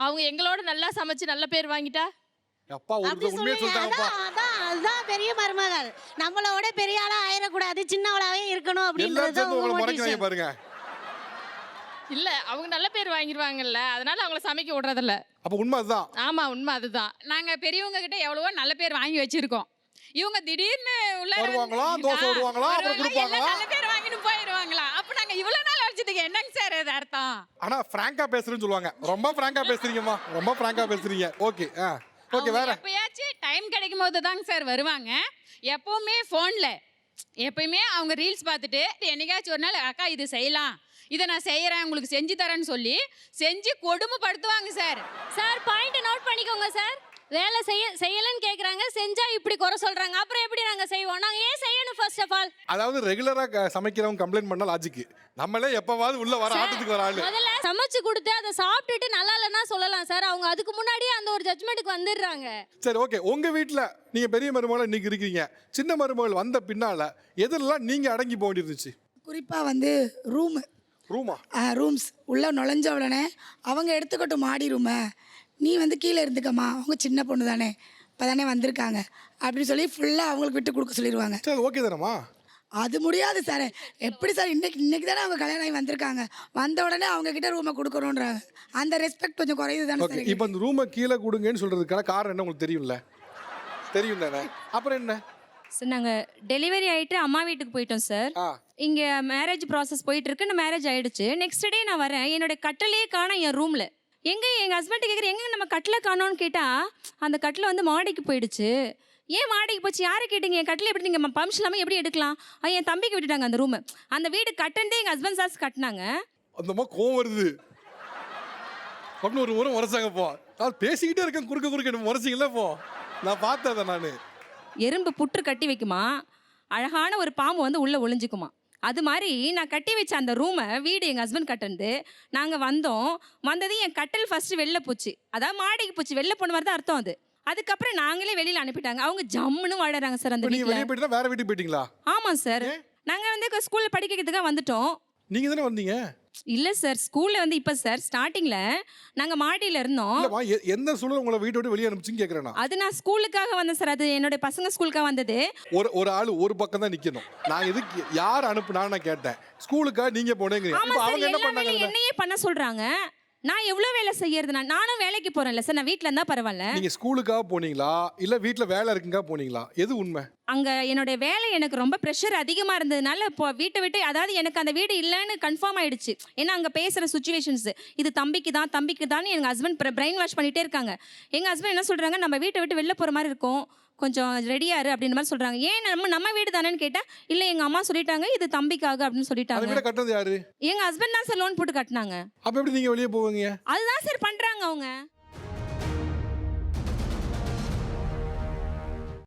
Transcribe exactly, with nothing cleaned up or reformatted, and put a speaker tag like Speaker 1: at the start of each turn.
Speaker 1: அவங்க எங்களோட நல்லா சமைச்சு நல்ல பேர் வாங்கிட்டா
Speaker 2: அப்பா ஒரு
Speaker 3: அப்படி
Speaker 2: உண்மையை
Speaker 3: சொல்லுங்க.
Speaker 2: சொல்லிட்டாங்கப்பா.
Speaker 3: அதான் அதான் அதுதான் பெரிய மருமகள். நம்மளோட பெரிய ஆளா ஆயிடக்கூடாது, சின்னவளாவே இருக்கணும்
Speaker 2: எல்லாரும்
Speaker 3: அப்படின்றது
Speaker 2: சேர்ந்து
Speaker 3: உங்க
Speaker 2: உங்களை முறைக்கிறாங்க
Speaker 3: motivation.
Speaker 2: பாருங்க.
Speaker 1: இல்ல அவங்க நல்ல பேர் வாங்கிடுவாங்கல்ல, அதனால அவங்கள சமைக்க விடுறதில்ல.
Speaker 2: அப்ப உண்மை அதுதான்.
Speaker 1: ஆமா உண்மை அதுதான்.
Speaker 4: நாங்க பெரியவங்க கிட்ட எவ்வளவோ நல்ல பேர் வாங்கி வச்சிருக்கோம். இவங்க திடீர்னு உள்ள
Speaker 2: வருவாங்களா, தோசை விடுவாங்களா, அப்புறம் கொடுப்பாங்களா?
Speaker 4: நல்ல பேர் வாங்கிட்டு போயிடுவாங்களா? அப்ப நாங்க இவ்வளவு நாள் வச்சதுக்கு என்னங்க சார் இது அர்த்தம்?
Speaker 2: ஆனா பிராங்கா பேசுறேன்னு சொல்லுவாங்க. ரொம்ப பிராங்கா பேசுறீங்கம்மா, ரொம்ப பிராங்கா பேசுறீங்க. ஓகே ஆ ஓகே
Speaker 4: அவங்க
Speaker 2: வேற.
Speaker 4: எப்பயாச்சும் டைம் கிடைக்கும் போது தாங்க சார் வருவாங்க. எப்பவுமே ஃபோன்ல எப்பயுமே அவங்க ரீல்ஸ் பார்த்துட்டு என்னைக்காச்சும் ஒரு நாள் அக்கா இது செய்யலாம், இதை நான் செய்யறேன் உங்களுக்கு செஞ்சு தரேன்னு சொல்லி செஞ்சு கொடுமைப்படுத்துவாங்க சார்.
Speaker 5: சார் பாயிண்ட் நோட் பண்ணிக்கோங்க சார். வேலை செய்ய செய்யலன்னு கேக்குறாங்க, செஞ்சா இப்படி குறை சொல்றாங்க. அப்புறம் எப்படி நாங்க செய்வோம்? நாங்க ஏன் செய்யணும் ஃபர்ஸ்ட் ஆஃப் ஆல்?
Speaker 2: அதாவது ரெகுலரா க- சமைக்கிறவங்க கம்ப்ளைண்ட் பண்ணா லாஜிக். நம்மளே எப்பவாவது உள்ள வர ஆட்டத்துக்கு வர ஆளு.
Speaker 5: முதல்ல சமைச்சு கொடுத்து அதை சாப்பிட்டுட்டு நல்லா இல்லைன்னா சொல்லலாம் சார். அவங்க அதுக்கு முன்னாடியே அந்த ஒரு ஜட்மெண்ட்டுக்கு வந்துடுறாங்க.
Speaker 2: சரி ஓகே, உங்க வீட்ல நீங்க பெரிய மருமகள் இன்னைக்கு இருக்கீங்க, சின்ன மருமகள் வந்த பின்னால எதெல்லாம் நீங்க அடங்கி போக வேண்டியிருந்துச்சு?
Speaker 6: குறிப்பாக வந்து ரூமு
Speaker 2: ரூமா?
Speaker 6: ரூம்ஸ் உள்ளே நுழைஞ்ச உடனே அவங்க எடுத்துக்கட்டும் மாடி ரூமை, நீ வந்து கீழே இருந்துக்கம்மா, அவங்க சின்ன பொண்ணு தானே இப்போ தானே வந்திருக்காங்க அப்படின்னு சொல்லி ஃபுல்லாக அவங்களுக்கு விட்டு கொடுக்க சொல்லிடுவாங்க.
Speaker 2: சரி ஓகே தானம்மா?
Speaker 6: அது முடியாது சார். எப்படி சார் இன்னைக்கு இன்னைக்கு தானே அவங்க கல்யாணம் ஆகி வந்திருக்காங்க, வந்த உடனே அவங்க கிட்ட ரூமை கொடுக்கணுன்றாங்க. அந்த ரெஸ்பெக்ட் கொஞ்சம் குறையுது தானே
Speaker 2: ஓகே,
Speaker 6: சார்.
Speaker 2: இப்போ அந்த ரூமை கீழே கொடுங்கன்னு சொல்றதுக்கான காரணம் என்ன உங்களுக்கு தெரியும்ல? தெரியும் தானே? அப்புறம் என்ன?
Speaker 7: சார் நாங்கள் டெலிவரி ஆகிட்டு அம்மா வீட்டுக்கு போயிட்டோம் சார்.
Speaker 2: ஆ
Speaker 7: இங்கே மேரேஜ் ப்ராசஸ் போயிட்டு இருக்கு. நான் மேரேஜ் ஆயிடுச்சு. நெக்ஸ்ட் டே நான் வரேன், என்னோட கட்டிலே காணோம் என் ரூமில். எங்கே எங்கள் ஹஸ்பண்ட் கேட்குறேன், எங்கே நம்ம கட்டில காணோன்னு கேட்டால் அந்த கட்டில் வந்து மாடிக்கு போயிடுச்சு. ஏன் மாடிக்கு போச்சு, யாரை கேட்டீங்க? என் கட்டில் எப்படி நீங்கள் பர்மிஷன் இல்லாமல் எப்படி எடுக்கலாம்? அது என் தம்பிக்கு விட்டுட்டாங்க அந்த ரூமு. அந்த வீடு கட்டண்டே எங்கள் ஹஸ்பண்ட் சாஸ் கட்டினாங்க.
Speaker 2: அந்த மாதிரி கோவம் வருது அப்படின்னு ஒரு முறை முறைச்சாங்க. போ நான் பேசிக்கிட்டே இருக்கேன், குறுக்க குறுக்க முறைச்சிங்களே. போ நான் பார்த்தேன் நான்.
Speaker 7: எறும்பு புற்று கட்டி வைக்குமா, அழகான ஒரு பாம்பு வந்து உள்ளே ஒளிஞ்சிக்குமா. அது மாதிரி நான் கட்டி வச்ச அந்த ரூமை வீடு எங்கள் ஹஸ்பண்ட் கட்டினது. நாங்கள் வந்தோம், வந்தது என் கட்டில் ஃபஸ்ட்டு வெளில போச்சு. அதாவது மாடிக்கு போச்சு, வெளில போன மாதிரி தான் அர்த்தம் அது. அதுக்கப்புறம் நாங்களே வெளியில் அனுப்பிட்டாங்க. அவங்க ஜம்முன்னு வாழறாங்க சார் அந்த
Speaker 2: நீங்க வெளியே
Speaker 7: வீட்டில்.
Speaker 2: போயிட்டு வேற வீட்டுக்கு போயிட்டீங்களா?
Speaker 7: ஆமாம் சார், நாங்கள் வந்து ஸ்கூலில் படிக்கிறதுக்காக வந்துட்டோம்.
Speaker 2: நீங்க தானே வந்தீங்க?
Speaker 7: இல்லை சார், ஸ்கூலில் வந்து இப்போ சார் ஸ்டார்டிங்கில் நாங்கள் மாடியில் இருந்தோம்.
Speaker 2: இல்லம்மா, எ- எந்த சூழல் உங்களை வீட்டை விட்டு வெளியே அனுப்பிச்சுன்னு கேட்குறேன் நான்.
Speaker 7: அது நான் ஸ்கூலுக்காக வந்தேன் சார். அது என்னோட பசங்க ஸ்கூலுக்காக வந்தது.
Speaker 2: ஒரு ஒரு ஆள் ஒரு பக்கம் தான் நிக்கணும். நான் எதுக்கு யார் அனுப்புனான்னு நான் கேட்டேன். ஸ்கூலுக்கா நீங்க போனேங்க.
Speaker 7: ஆமா
Speaker 2: இப்போ
Speaker 7: சார்,
Speaker 2: அவங்க என்ன
Speaker 7: எல்லா வேலையும்
Speaker 2: பண்ணாங்க?
Speaker 7: என்னையே பண்ண சொல்றாங்க. நான் எவ்வளவு வேலை செய்யறது? நான் நானும் வேலைக்கு போறேன்ல சார், நான் வீட்ல இருந்தா பரவாயில்ல.
Speaker 2: நீங்க ஸ்கூலுக்காக போனீங்களா இல்ல வீட்ல வேலை இருக்குங்க போனீங்களா? எது உண்மை?
Speaker 7: அங்க என்னோட வேலை எனக்கு ரொம்ப ப்ரெஷர் அதிகமா இருந்ததுனால இப்போ வீட்டை விட்டு, அதாவது எனக்கு அந்த வீடு இல்லைன்னு கன்ஃபார்ம் ஆயிடுச்சு. ஏன்னா அங்க பேசுற சுச்சுவேஷன்ஸ் இது தம்பிக்கு தான் தம்பிக்கு தான் எங்க ஹஸ்பண்ட் பிரெயின் வாஷ் பண்ணிட்டே இருக்காங்க. எங்க ஹஸ்பண்ட் என்ன சொல்றாங்க, நம்ம வீட்டை விட்டு வெளில போற மாதிரி இருக்கும், கொஞ்சம் ரெடியாரு அப்படின்ற மாதிரி சொல்றாங்க. ஏன் நம்ம நம்ம வீடு தானேன்னு கேட்டா, இல்ல எங்க அம்மா சொல்லிட்டாங்க இது தம்பிக்காக அப்படின்னு
Speaker 2: அந்த
Speaker 7: சொல்லிட்டாங்க.
Speaker 2: வீட கட்டுறது யாரு?
Speaker 7: எங்க ஹஸ்பண்ட் தான் சார் லோன் போட்டு கட்டினாங்க.
Speaker 2: அப்ப எப்படி நீங்க வெளியே போவீங்க?
Speaker 7: அதுதான் சார் பண்றாங்க அவங்க.